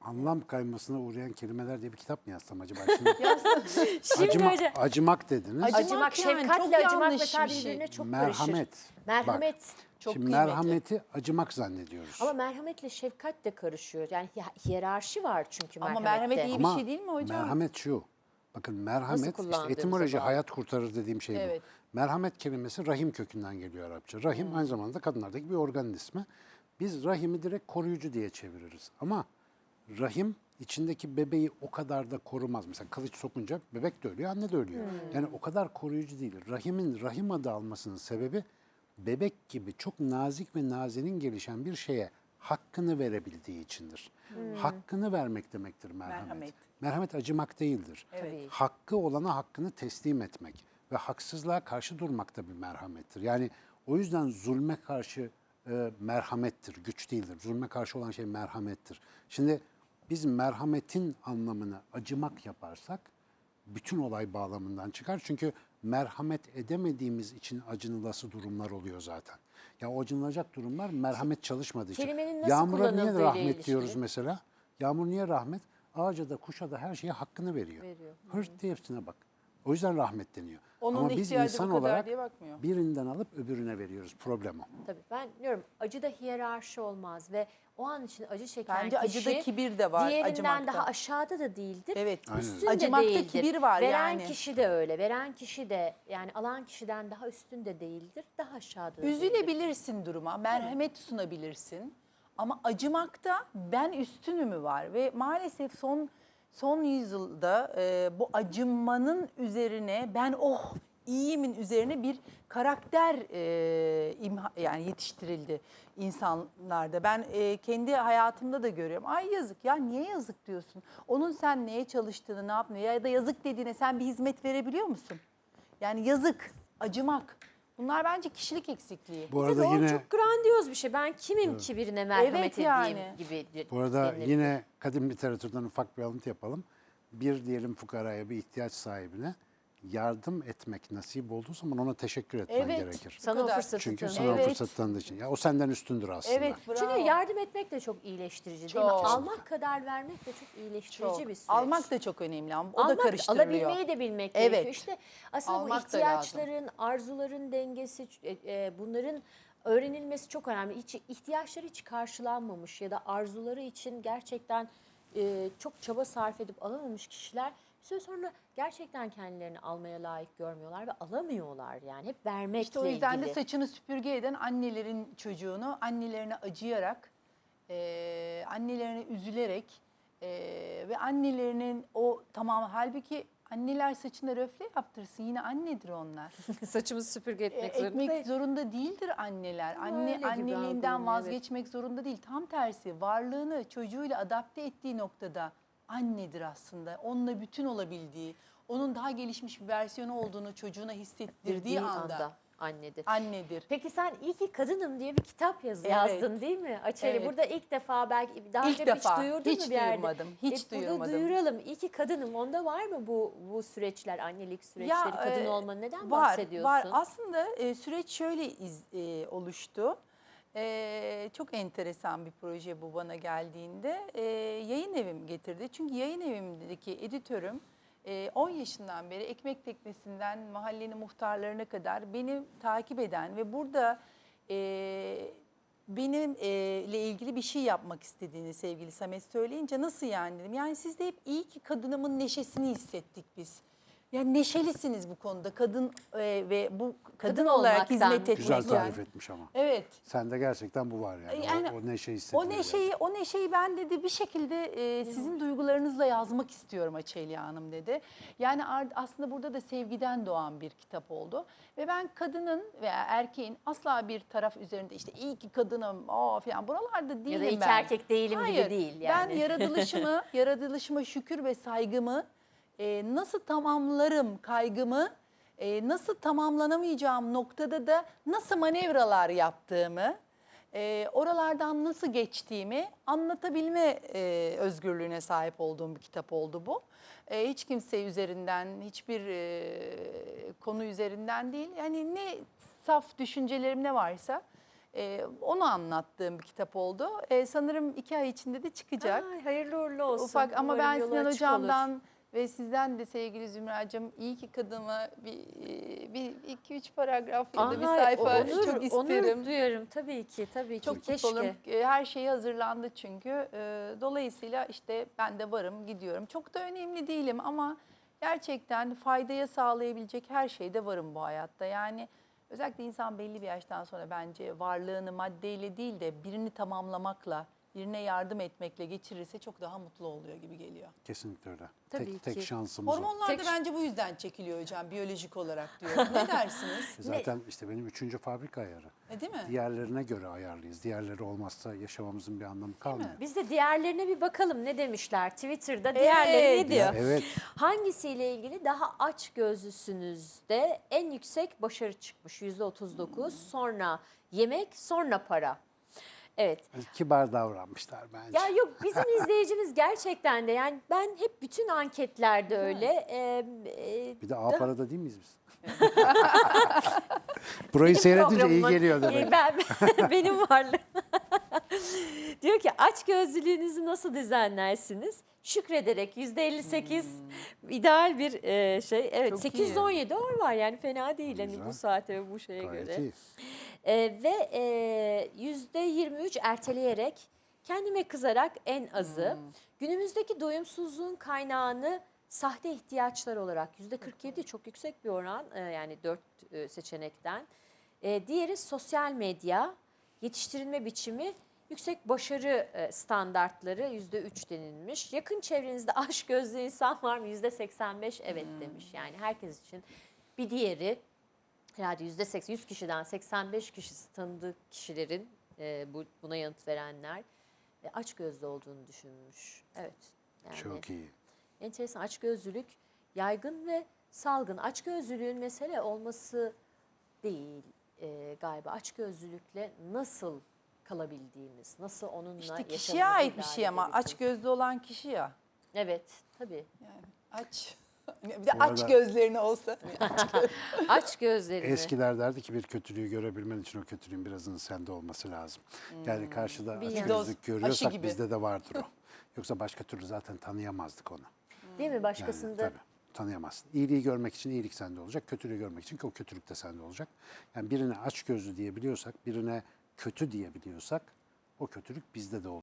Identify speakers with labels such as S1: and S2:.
S1: Anlam kaymasına uğrayan kelimeler diye bir kitap mı yazsam acaba? Şimdi
S2: Şimdi hocam,
S1: acımak dediniz.
S2: acımak,
S3: yani çok
S2: şefkatle acımak
S3: yanlış
S2: mesela
S3: bir şey.
S2: birbirine çok
S1: Merhamet.
S2: karışır. Merhamet.
S3: Çok
S1: Şimdi
S3: kıymetli.
S1: merhameti acımak zannediyoruz.
S2: Ama merhametle şefkat de karışıyor. Yani hiyerarşi var çünkü
S3: Ama
S2: merhamette.
S3: merhamet iyi bir şey değil mi hocam?
S1: Merhamet şu. Bakın merhamet işte
S2: kullandığımıza
S1: etimoloji
S2: bağlı.
S1: hayat kurtarır dediğim şey
S3: Evet.
S1: bu. Merhamet kelimesi rahim kökünden geliyor Arapça. Rahim aynı zamanda kadınlardaki bir organın ismi. Biz rahimi direkt koruyucu diye çeviririz. Ama rahim içindeki bebeği o kadar da korumaz. Mesela kılıç sokunca bebek de ölüyor, anne de ölüyor. Yani o kadar koruyucu değil. Rahimin rahim adı almasının sebebi bebek gibi çok nazik ve nazenin gelişen bir şeye hakkını verebildiği içindir. Hakkını vermek demektir merhamet.
S3: Merhamet.
S1: Merhamet acımak değildir.
S3: Evet.
S1: Hakkı olana hakkını teslim etmek ve haksızlığa karşı durmak da bir merhamettir. Yani o yüzden zulme karşı merhamettir, güç değildir. Zulme karşı olan şey merhamettir. Şimdi biz merhametin anlamını acımak yaparsak bütün olay bağlamından çıkar. Çünkü merhamet edemediğimiz için acınılası durumlar oluyor zaten. Ya o acınılacak durumlar merhamet çalışmadığı için.
S2: Kelimenin nasıl
S1: Yağmura niye
S2: kullanıldığıyla
S1: rahmet
S2: ilişkili.
S1: diyoruz mesela? Yağmur niye rahmet? Ağaca da kuşa da her şeye hakkını veriyor. Hırt diye hepsine bak. O yüzden rahmet deniyor.
S3: Onun
S1: Ama biz
S3: ihtiyacı
S1: insan
S3: bu kadar
S1: olarak
S3: diye bakmıyor.
S1: birinden alıp öbürüne veriyoruz. Problem o.
S2: Tabii ben diyorum acıda hiyerarşi olmaz ve o an için acı çeken
S3: Bence
S2: kişi
S3: acıda kibir de var,
S2: diğerinden
S3: acımakta.
S2: daha aşağıda da değildir.
S3: Evet.
S1: Aynen.
S2: Üstün
S3: Acımakta
S2: de değildir.
S3: kibir var
S2: Veren
S3: yani.
S2: kişi de öyle. Veren kişi de yani alan kişiden daha üstün de değildir. Daha aşağıda da değildir.
S3: Üzülebilirsin duruma, merhamet sunabilirsin. Ama acımakta ben üstünümü var ve maalesef son yüzyılda bu acınmanın üzerine ben iyiyimin üzerine bir karakter yani yetiştirildi insanlarda. Ben kendi hayatımda da görüyorum. Ay yazık ya, niye yazık diyorsun? Onun sen neye çalıştığını, ne yaptığını ya da yazık dediğine sen bir hizmet verebiliyor musun? Yani yazık, acımak. Bunlar bence kişilik eksikliği.
S1: Bu
S2: Tabii
S1: arada
S2: o
S1: yine
S2: çok grandiyoz bir şey. Ben kimim ki birine merhamet
S3: Evet
S2: edeyim
S3: yani.
S2: gibi.
S1: Bu arada
S2: denilebilir.
S1: yine kadim literatürden ufak bir alıntı yapalım. Bir diyelim fukaraya, bir ihtiyaç sahibine yardım etmek nasip olduğu zaman ona teşekkür etmen
S3: Evet.
S1: gerekir.
S2: Sana o
S3: kadar.
S2: fırsatı
S1: Çünkü
S2: tanı.
S1: sana o
S3: Evet.
S1: fırsat tanıdığı için. Ya o senden üstündür aslında.
S3: Evet, bravo.
S2: Çünkü yardım etmek de çok iyileştirici değil mi?
S3: Çok.
S2: Almak kadar vermek de çok iyileştirici
S3: Çok.
S2: bir süreç.
S3: Almak da çok önemli ama o da
S2: Almak,
S3: karıştırılıyor.
S2: alabilmeyi de bilmek
S3: Evet.
S2: gerekiyor. İşte aslında bu
S3: Almak da
S2: ihtiyaçların, arzuların dengesi, bunların öğrenilmesi çok önemli. İhtiyaçları hiç karşılanmamış ya da arzuları için gerçekten çok çaba sarf edip alamamış kişiler bir süre sonra gerçekten kendilerini almaya layık görmüyorlar ve alamıyorlar yani. Hep vermekle
S3: İşte o yüzden
S2: ilgili.
S3: de saçını süpürge eden annelerin çocuğunu annelerine acıyarak, annelerine üzülerek ve annelerinin halbuki anneler saçına röfle yaptırsın, yine annedir onlar.
S2: Saçımızı süpürge etmek
S3: Ekmek zorunda değildir anneler.
S2: öyle gibi
S3: Anneliğinden
S2: algılanıyor,
S3: vazgeçmek zorunda değil. Tam tersi, varlığını çocuğuyla adapte ettiği noktada annedir aslında. Onunla bütün olabildiği, onun daha gelişmiş bir versiyonu olduğunu çocuğuna hissettirdiği
S2: Dediği
S3: anda
S2: annedir.
S3: annedir.
S2: Peki sen iyi ki kadınım diye bir kitap
S3: Evet.
S2: yazdın değil mi? Açeli
S3: Evet.
S2: burada ilk defa belki daha
S3: İlk
S2: önce
S3: defa.
S2: hiç duyurdun
S3: Hiç
S2: mu bir yerde?
S3: duyurmadım, hiç
S2: Burada
S3: duyurmadım.
S2: duyuralım. İyi ki kadınım. Onda var mı bu süreçler, annelik süreçleri, kadın olmanın neden
S3: var,
S2: bahsediyorsun?
S3: Var. Aslında süreç şöyle oluştu. Çok enteresan bir proje bu bana geldiğinde. Yayın evim getirdi. Çünkü yayın evimdeki editörüm 10 yaşından beri ekmek teknesinden mahallenin muhtarlarına kadar beni takip eden ve burada benimle ilgili bir şey yapmak istediğini sevgili Samet söyleyince nasıl yani dedim. Yani siz de hep iyi ki kadınımın neşesini hissettik biz. Yani neşelisiniz bu konuda kadın ve bu kadın olarak
S2: olmaktan.
S3: hizmet etmek.
S1: Güzel tarif
S3: yani.
S1: etmiş ama.
S3: Evet.
S1: Sende gerçekten bu var yani.
S3: Yani
S1: O neşe hissediyor.
S3: O neşeyi ben dedi bir şekilde sizin duygularınızla yazmak istiyorum Açelya Hanım dedi. Yani aslında burada da sevgiden doğan bir kitap oldu. Ve ben kadının veya erkeğin asla bir taraf üzerinde işte iyi ki kadınım falan buralarda değilim
S2: ya
S3: ben.
S2: da iki erkek değilim
S3: Hayır,
S2: gibi değil yani.
S3: Ben yaratılışıma şükür ve saygımı nasıl tamamlarım kaygımı, nasıl tamamlanamayacağım noktada da nasıl manevralar yaptığımı, oralardan nasıl geçtiğimi anlatabilme özgürlüğüne sahip olduğum bir kitap oldu bu. Hiç kimse üzerinden, hiçbir konu üzerinden değil. Yani ne saf düşüncelerim ne varsa Onu anlattığım bir kitap oldu. Sanırım 2 ay içinde de çıkacak.
S2: Ay, hayırlı uğurlu olsun.
S3: Ufak ama
S2: Umarım
S3: ben
S2: yolu
S3: Sinan
S2: açık olur.
S3: Hocam'dan ve sizden de sevgili Zümracığım iyi ki kadınıma bir 2-3 paragraf ya da bir
S2: Aha,
S3: sayfa
S2: onur,
S3: çok isterim.
S2: Onur duyarım tabii ki, tabii ki.
S3: Çok
S2: Keşke.
S3: mutlu olurum. Her şey hazırlandı çünkü. Dolayısıyla işte ben de varım, gidiyorum. Çok da önemli değilim ama gerçekten faydaya sağlayabilecek her şeyde varım bu hayatta. Yani özellikle insan belli bir yaştan sonra bence varlığını maddeyle değil de birini tamamlamakla, birine yardım etmekle geçirirse çok daha mutlu oluyor gibi geliyor.
S1: Kesinlikle öyle.
S2: Tabii
S1: Tek
S2: ki.
S1: şansımız o.
S3: Hormonlar da
S2: Tek-
S3: bence bu yüzden çekiliyor hocam, biyolojik olarak diyor. Ne dersiniz?
S1: Zaten işte benim 3. fabrika ayarı.
S3: Değil mi?
S1: Diğerlerine göre ayarlıyız. Diğerleri olmazsa yaşamamızın bir anlamı kalmıyor.
S2: Biz de diğerlerine bir bakalım ne demişler Twitter'da. Diğerleri ne diyor?
S1: Ya evet.
S2: Hangisiyle ilgili daha aç gözlüsünüzde en yüksek başarı çıkmış? %39. Sonra yemek, sonra para. Evet.
S1: Kibar davranmışlar bence.
S2: Ya yok bizim izleyicimiz gerçekten de yani ben hep bütün anketlerde öyle.
S1: Bir de A parada değil miyiz biz? Burayı seyredince iyi
S2: Programımın-
S1: geliyor demek.
S2: Benim varlığım. Diyor ki aç gözlülüğünüzü nasıl düzenlersiniz? Şükrederek %58 ideal bir şey. Evet,
S3: Çok
S2: 817 var yani fena değil hani
S1: Güzel.
S2: bu saate ve bu şeye
S1: Gayet
S2: göre.
S1: iyi.
S2: Ve %23 erteleyerek, kendime kızarak en azı. Günümüzdeki doyumsuzluğun kaynağını sahte ihtiyaçlar olarak %47 çok yüksek bir oran yani 4 seçenekten. Diğeri sosyal medya, yetiştirilme biçimi, yüksek başarı standartları %3 denilmiş. Yakın çevrenizde aşkgözlü insan var mı? %85 evet demiş. Yani herkes için. Bir diğeri herhalde %80, 100 kişiden 85 kişisi tanıdığı kişilerin buna yanıt verenler açgözlü olduğunu düşünmüş. Evet. Yani
S1: Çok iyi.
S2: enteresan, açgözlülük yaygın ve salgın. Açgözlülüğün mesele olması değil galiba. Açgözlülükle nasıl kalabildiğimiz, nasıl onunla
S3: İşte
S2: yaşamımızı
S3: kişiye ait bir
S2: idare
S3: şey ama
S2: edebildiğimiz.
S3: aç gözlü olan kişi ya.
S2: Evet, tabii.
S3: Yani aç. Bir de
S1: Bu
S3: aç
S1: arada-
S3: gözlerini olsa.
S2: Aç gözlerini.
S1: Eskiler derdi ki bir kötülüğü görebilmen için o kötülüğün birazının sende olması lazım. Yani karşıda
S2: Bir
S1: açgözlük
S3: doz, aşı
S1: görüyorsak
S3: gibi.
S1: bizde de vardır o. Yoksa başka türlü zaten tanıyamazdık onu.
S2: Değil mi?
S1: Yani
S2: Başkasında
S1: tabii tanıyamazsın. İyiliği görmek için iyilik sende olacak. Kötülüğü görmek için o kötülük de sende olacak. Yani birine açgözlü diyebiliyorsak, birine kötü diyebiliyorsak o kötülük bizde de olacak.